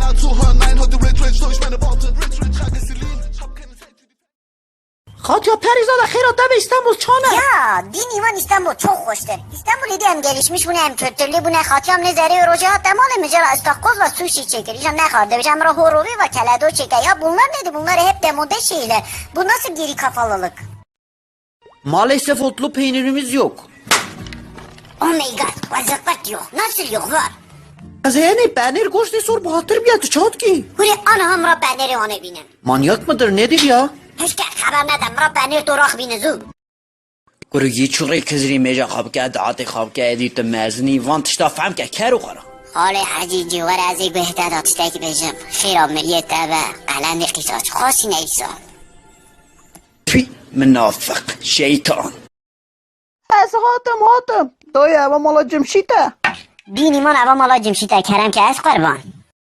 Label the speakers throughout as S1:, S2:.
S1: Katya Perizoda xeyrat be İstanbul çane.
S2: Ya din iman İstanbul çok hoştur. İstanbul idi hem gelişmiş bu ne hem kültürlü bu ne Katyam ne zeri roca temalı mücera istakoz ve sushi çekir. İşte ne kadar demiş Emrah Horovi ve Keledo çeker. Ya bunlar nedir? Bunlar hep demode şeyler. Bu nasıl geri kafalılık?
S1: Maalesef otlu peynirimiz yok.
S2: Oh my god. Vaziyet yok. Nasıl yok var?
S1: Az yani peynir goştu sor bu hatır biyatı çat ki.
S2: Huri ana hamra peneri onu binin.
S1: Manyak mıdır nedir ya?
S2: Hiç haber nedem ra penir torak binizu.
S1: Gurgi çuğri kızri meca kabke dağıtı kabke ediyt mezini van tişta fهم که کرو خورا.
S2: حال حجیجی و رازی بهتر داشته که بجم خیرا ملیت تبا قلند قیساج خاصی نیسان
S1: فی منافق شیطان.
S3: از هاتم دایه و مالا جمشیده
S2: بینی من اوا مالا جمشیده کرم که از قربان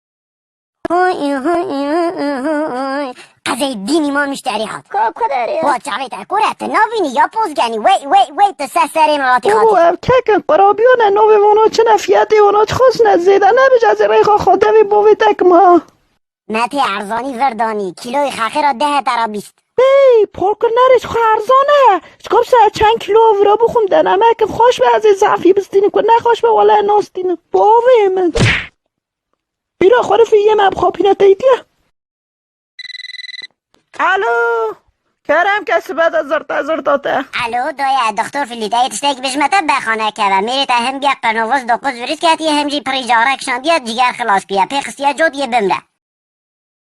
S2: قضای دینی ما مشتری هات
S3: کدری
S2: وا جاویده گورت نبینی یا پوزگانی وی تسسری مراتی
S3: او
S2: خاطی
S3: ککن قرابیونه نوی وانا چه نفیتی وانا خواست نزیده نبیج از ریخا خاطوی بوی تک ما
S2: متی ارزانی وردانی کیلوی خاخی را 10 ترا 20
S3: بی پرکر نریش خرزانه چکاب ساعت چند کیلو ورا بخون دنم اکم خوش به از زعفی بستینی کن نخوش به وله ناستینی باوی من بیرا خوره فی یه مبخوا پینت ایدیه الو کرم کسی بعد از زرطاته
S2: الو دای دکتر فلیدای تشتک بجمته بخانه که و میری تا هم بیا قرنوز 9 وریس که هم جی پریجاره کشان بیا جگر خلاص بیا پیخستیا جود یه بمره